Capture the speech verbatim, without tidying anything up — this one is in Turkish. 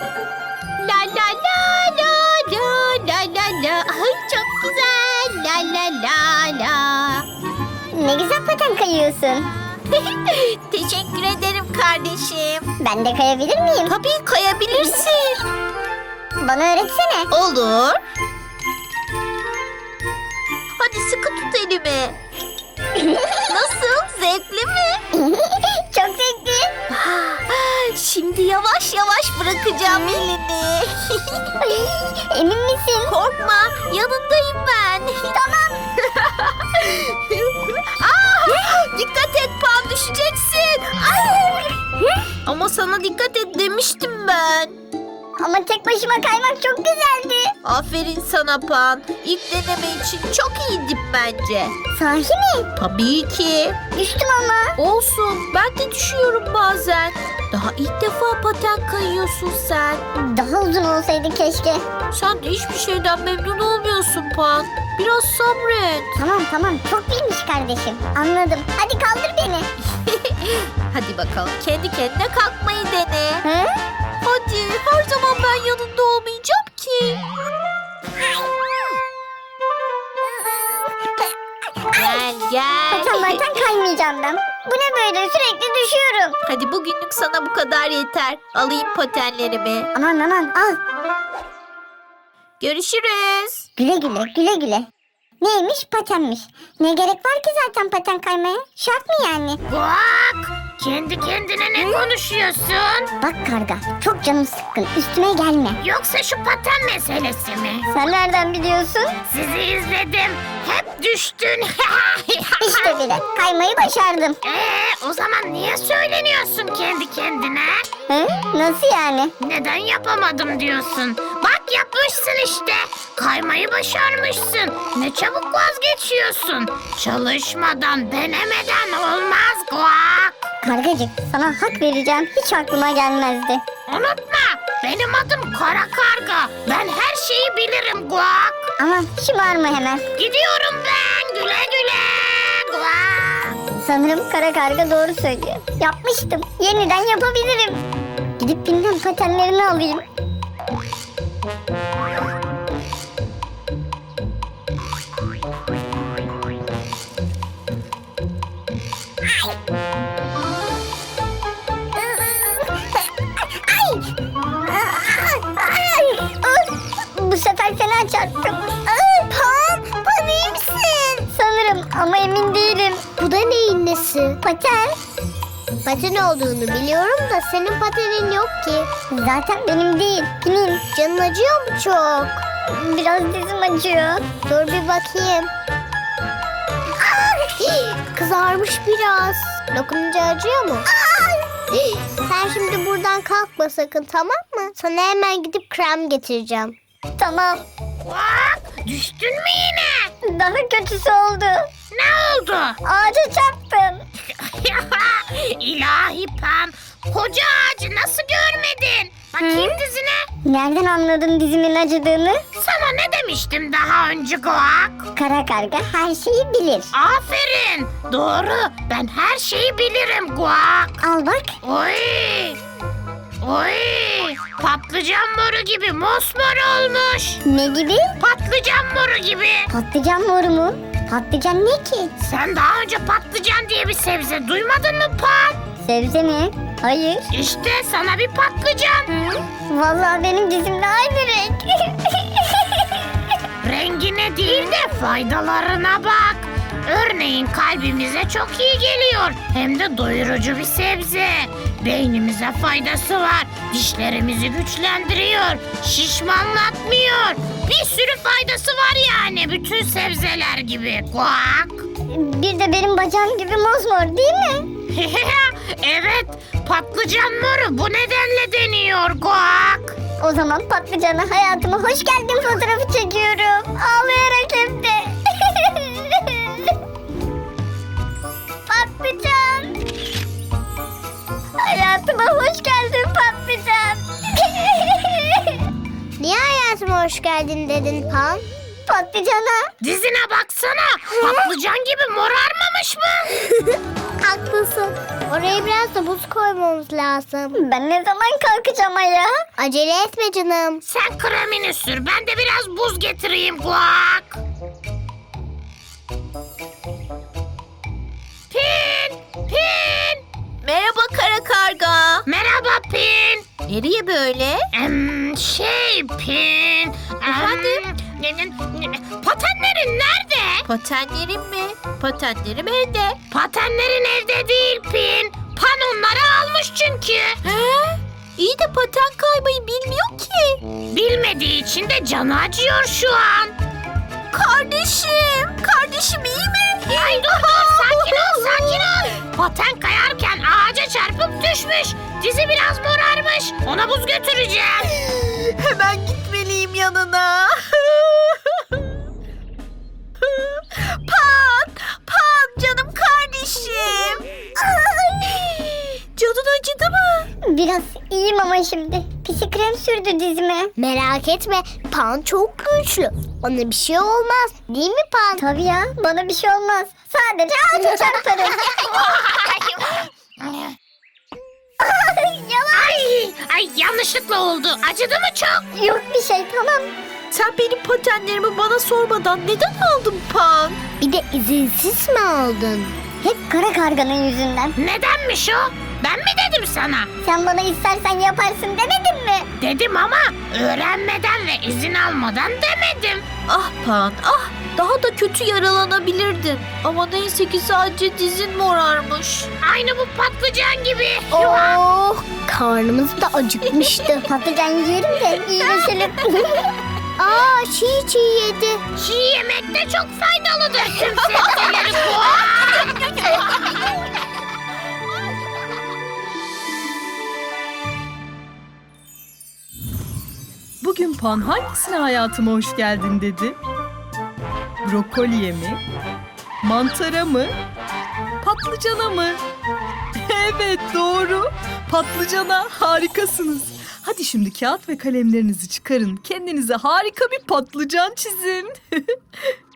La la la la la la la la. Ay, çok güzel. La la la la. Ne güzel paten kayıyorsun. Teşekkür ederim kardeşim. Ben de kayabilir miyim? Tabii kayabilirsin. Bana öğretsene. Olur. Hadi sıkı tut elimi. Nasıl? Zevkli mi? Çok zevkli. Şimdi yavaş yavaş bırakacağım elini. Emin misin? Korkma, yanındayım ben. Tamam. Aa, dikkat et Pan, düşeceksin. Ay. Ama sana dikkat et demiştim ben. Ama tek başıma kaymak çok güzeldi. Aferin sana Pan. İlk deneme için çok iyiydin bence. Sahi mi? Tabii ki. Düştüm ama. Olsun, ben de düşüyorum bazen. Daha ilk defa paten kayıyorsun sen. Daha uzun olsaydı keşke. Sen de hiçbir şeyden memnun olmuyorsun Pan. Biraz sabret. Tamam tamam, çok bilmiş kardeşim. Anladım. Hadi kaldır beni. Hadi bakalım, kendi kendine kalkmayı dene. Hı? Hadi, her zaman ben yanında olmayacağım ki. Gel gel. Paten paten kaymayacağım ben. Bu ne böyle, sürekli düşüyorum. Hadi bugünlük sana bu kadar yeter. Alayım patenlerimi. Aman aman al. Görüşürüz. Güle güle güle güle. Neymiş, patenmiş. Ne gerek var ki zaten paten kaymaya? Şart mı yani? Bak! Kendi kendine ne konuşuyorsun? Bak karga, çok canım sıkkın, üstüme gelme. Yoksa şu paten meselesi mi? Sen nereden biliyorsun? Sizi izledim. Hep düştün. İşte bile, kaymayı başardım. Ee, o zaman niye söyleniyorsun kendi kendine? Hı? Nasıl yani? Neden yapamadım diyorsun? Bak yapmışsın işte. Kaymayı başarmışsın. Ne çabuk vazgeçiyorsun. Çalışmadan, denemeden olmaz Guak. Kargacık, sana hak vereceğim, hiç aklıma gelmezdi. Unutma, benim adım Kara Karga. Ben her şeyi bilirim Guak. Aman şımarma hemen. Gidiyorum ben. Güle güle. Guak. Sanırım kara karga doğru söylüyor. Yapmıştım, yeniden yapabilirim. Gidip bilmem patenlerini alayım. Bu sefer fena çarptım. Pan, Pan iyi misin? Sanırım ama emin değilim. Bu da neyin nesi? Paten. Paten olduğunu biliyorum da senin patenin yok ki. Zaten benim değil, kimin? Canın acıyor mu çok? Biraz dizim acıyor. Dur bir bakayım. Kızarmış biraz. Dokununca acıyor mu? Sen şimdi buradan kalkma sakın, tamam mı? Sana hemen gidip krem getireceğim. Tamam. Guak, düştün mü yine? Daha kötüsü oldu. Ne oldu? Ağaca çarptım. İlahi Pan. Koca ağacı nasıl görmedin? Bakayım dizine. Nereden anladın dizimin acıdığını? Sana ne demiştim daha önce Guak? Kara karga her şeyi bilir. Aferin. Doğru. Ben her şeyi bilirim Guak. Al bak. Oy. Oy. Patlıcan moru gibi mosmor olmuş. Ne gibi? Patlıcan moru gibi. Patlıcan moru mu? Patlıcan ne ki? Sen daha önce patlıcan diye bir sebze duymadın mı Pan? Sebze mi? Hayır. İşte sana bir patlıcan. Vallahi benim dizimle aynı renk. Rengine değil de faydalarına bak. Örneğin kalbimize çok iyi geliyor. Hem de doyurucu bir sebze. Beynimize faydası var. Dişlerimizi güçlendiriyor. Şişmanlatmıyor. Bir sürü faydası var yani bütün sebzeler gibi. Guak. Bir de benim bacağım gibi mosmor değil mi? Evet, patlıcan moru bu nedenle deniyor Guak. O zaman patlıcana hayatıma hoş geldin fotoğrafı çekiyorum. Ağlayarak hem de. Patlıcan. Hayatıma hoş geldin patlıcan. Niye hayatıma hoş geldin dedin Pan? Patlıcana. Dizine baksana. Patlıcan gibi morarmamış kalkmamış mı? Haklısın. Oraya biraz da buz koymamız lazım. Ben ne zaman kalkacağım ayağa? Acele etme canım. Sen kremini sür, ben de biraz buz getireyim Guak. Pin, Pin. Merhaba kara karga. Merhaba Pin. Nereye böyle? Em, şey Pin. Efendim? Em, patenlerin nerede? Patenlerim mi? Patenlerim evde. Patenlerin evde değil Pin. Pan onları almış çünkü. He? İyi de paten kaymayı bilmiyor ki. Bilmediği için de canı acıyor şu an. Kardeşim. Kardeşim iyi mi? Ay dur dur sakin ol sakin ol. Paten kayarken ağaca çarpıp düşmüş. Dizi biraz morarmış. Ona buz götüreceğim. Hemen gitmeliyim yanına. Pan, Pan canım kardeşim. Canın acıdı mı? Biraz iyiyim ama şimdi. Pisi krem sürdü dizime. Merak etme. Pan çok güçlü. Ona bir şey olmaz. Değil mi Pan? Tabii ya. Bana bir şey olmaz. Sadece ağaca çarparım. Yalan. Ay, ay yanlışlıkla oldu. Acıdı mı çok? Yok bir şey tamam. Sen benim patenlerimi bana sormadan neden aldın Pan? Bir de izinsiz mi aldın? Hep kara karganın yüzünden. Nedenmiş o? Ben mi dedim sana? Sen bana istersen yaparsın demedin mi? Dedim ama öğrenmeden ve izin almadan demedim. Ah Pan, ah daha da kötü yaralanabilirdin. Ama neyse ki sadece dizin morarmış. Aynı bu patlıcan gibi. Oh, karnımız da acıkmıştı. Patlıcan yiyelim de iyileşelim. Aa, çiğ çiğ yedi. Çiğ yemek de çok faydalıdır tüm sebzeleri bu. Bugün Pan hangisine hayatıma hoş geldin dedi? Brokoliye mi? Mantara mı? Patlıcana mı? Evet doğru. Patlıcana harikasınız. Hadi şimdi kağıt ve kalemlerinizi çıkarın. Kendinize harika bir patlıcan çizin.